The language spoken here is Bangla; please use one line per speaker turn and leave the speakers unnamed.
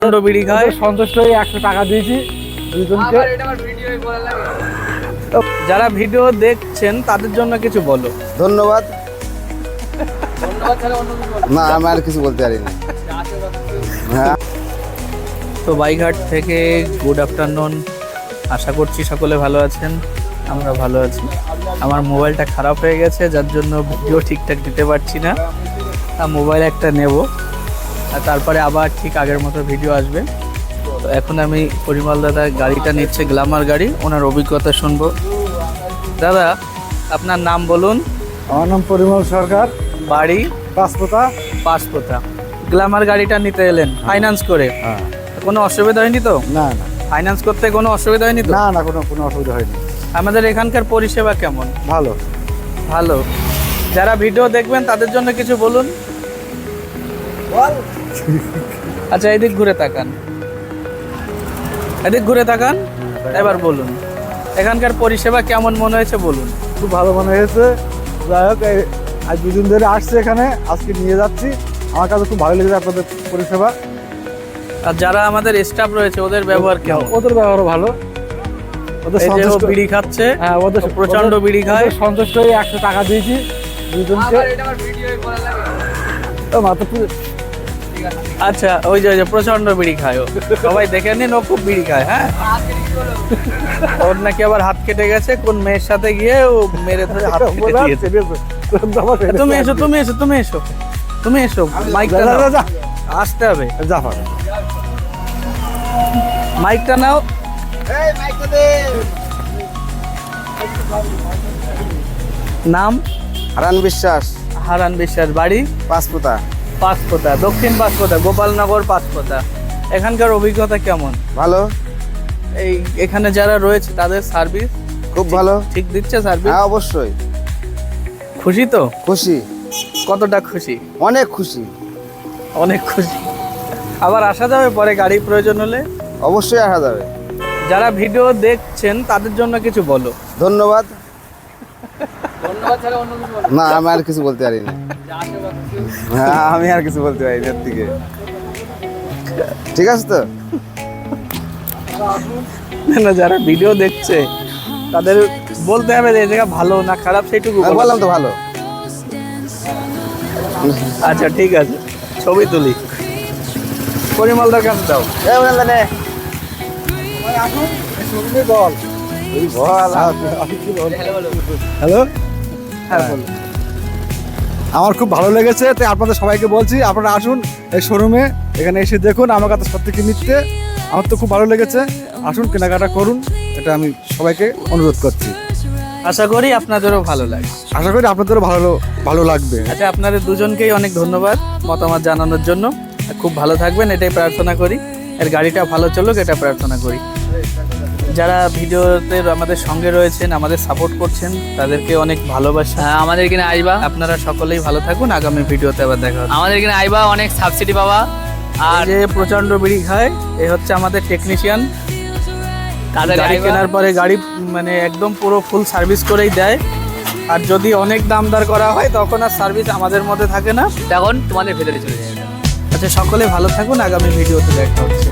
বিড়ি খায়
সন্তুষ্ট হয়ে 100 টাকা দিয়েছি দুজনকে।
যারা ভিডিও দেখছেন তাদের জন্য কিছু বলো।
ধন্যবাদ। না আমি আর কিছু বলতে পারি না। হ্যাঁ
তো বাইঘাট থেকে গুড আফটারনুন, আশা করছি সকলে ভালো আছেন। আমরা ভালো আছি। আমার মোবাইলটা খারাপ হয়ে গেছে, যার জন্য ভিডিও ঠিকঠাক দিতে পারছি না। মোবাইল একটা নেব, আর তারপরে আবার ঠিক আগের মতো ভিডিও আসবে। তো এখন আমি পরিমল দাদা গাড়িটা নিচ্ছে, গ্ল্যামার গাড়ি, ওনার অভিজ্ঞতা শুনবো। দাদা আপনার নাম বলুন।
আমার নাম পরিমল সরকার,
বাড়ি
পাঁচপোতা।
পাঁচপোতা। গ্ল্যামার গাড়িটা নিতে এলেন ফাইন্যান্স করে?
হ্যাঁ।
কোনো অসুবিধা হয়নি তো?
না না
ফাইন্যান্স করতে কোনো অসুবিধা হয়নি তো?
না না, কোনো অসুবিধা হয়নি।
আমাদের এখানকার পরিষেবা কেমন?
ভালো
ভালো। যারা ভিডিও দেখবেন তাদের জন্য কিছু বলুন। আচ্ছা এদিক ঘুরে তাকান, এদিক ঘুরে তাকান, এবার বলুন এখানকার পরিষেবা কেমন মনে হয়েছে বলুন।
খুব ভালো মনে হয়েছে। যাই হোক, আজ দুদিন ধরে আসছে এখানে, আজকে নিয়ে যাচ্ছি। আমার কাছে খুব ভালো লেগেছে আপনাদের পরিষেবা।
আর যারা আমাদের স্টাফ রয়েছে ওদের ব্যবহার কেমন?
ওদের ব্যবহার ভালো। ওদের
এই যে ও
সন্তুষ্ট,
বিড়ি খাচ্ছে,
হ্যাঁ ওদের
প্রচন্ড বিড়ি খায়।
ওদের সন্তুষ্ট হয়ে 100 টাকা দিয়েছি দুজনকে। মাত্র
আচ্ছা ওই যে প্রচন্ড বিড়ি খায় ও, সবাই দেখে নিন, ও খুব বিড়ি খায়। হ্যাঁ, ওর নাকি আবার হাত কেটে গেছে কোন মেয়ের সাথে গিয়ে, ও মেরে ধরে হাত কেটে দিয়েছে। তুমি এসো, তুমি এসো, তুমি এসো, তুমি এসো, মাইকটা নাও, আসতে হবে। মাইকটা নাও। নাম?
হারান বিশ্বাস,
হারান বিশ্বাস। বাড়ি?
পাঁচপোতা।
পাঁচপোতা, দক্ষিণ পাঁচপোতা, গোপালনগর পাঁচপোতা। এখানকার অভিজ্ঞতা কেমন?
ভালো।
এই এখানে যারা রয়েছে তাদের সার্ভিস
খুব ভালো।
ঠিক দিচ্ছে সার্ভিস?
হ্যাঁ অবশ্যই।
খুশি তো?
খুশি,
কতটা খুশি?
অনেক খুশি।
অনেক খুশি। আবার আসা যাবে পরে গাড়ি প্রয়োজন হলে?
অবশ্যই আসা যাবে।
যারা ভিডিও দেখছেন তাদের জন্য কিছু বলো।
ধন্যবাদ। না আমি আর কিছু বলতে পারি না। হ্যাঁ আমি আর কিছু বলতে পারি না এর থেকে। ঠিক আছে তো?
না, যারা ভিডিও দেখছে তাদের বলতে হবে যে এই জায়গা ভালো না খারাপ সেইটুকু
আমি বললাম তো ভালো।
আচ্ছা ঠিক আছে, ছবি তুলি। পরিমলদার কাছে দাও।
এই বললাম নে।
বল।
এই বল।
হ্যালো,
হ্যাঁ বলো।
আমার খুব ভালো লেগেছে, তাই আপনাদের সবাইকে বলছি আপনারা আসুন এই শোরুমে, এখানে এসে দেখুন। আমার কাছে সত্যি নিতে আমার তো খুব ভালো লেগেছে। আসুন কেনাকাটা করুন, এটা আমি সবাইকে অনুরোধ করছি।
আশা করি আপনাদেরও ভালো লাগে।
আশা করি আপনাদেরও ভালো লাগবে।
আচ্ছা আপনাদের দুজনকেই অনেক ধন্যবাদ মতামত জানানোর জন্য। খুব ভালো থাকবেন এটাই প্রার্থনা করি, এর গাড়িটা ভালো চলুক এটা প্রার্থনা করি। যারা ভিডিওতে আমাদের সঙ্গে রয়েছেন, আমাদের সাপোর্ট করছেন, তাদেরকে অনেক ভালোবাসা।
আমাদের এখানে আইবা,
আপনারা সকলেই ভালো থাকুন। আগামী ভিডিওতে আবার দেখা হবে।
আমাদের এখানে আইবা, অনেক সাবসিডি পাবা।
আর যে প্রচন্ড বিড়ি খায় এ হচ্ছে আমাদের টেকনিশিয়ান।
তাদের
গাড়ি কেনার পরে গাড়ি মানে একদম পুরো ফুল সার্ভিস করেই দেয়। আর যদি অনেক দামদার করা হয় তখন আর সার্ভিস আমাদের মধ্যে থাকে না,
তখন তোমাদের ভেতরে চলে যাবে।
আচ্ছা সকলে ভালো থাকুন, আগামী ভিডিওতে দেখা হচ্ছে।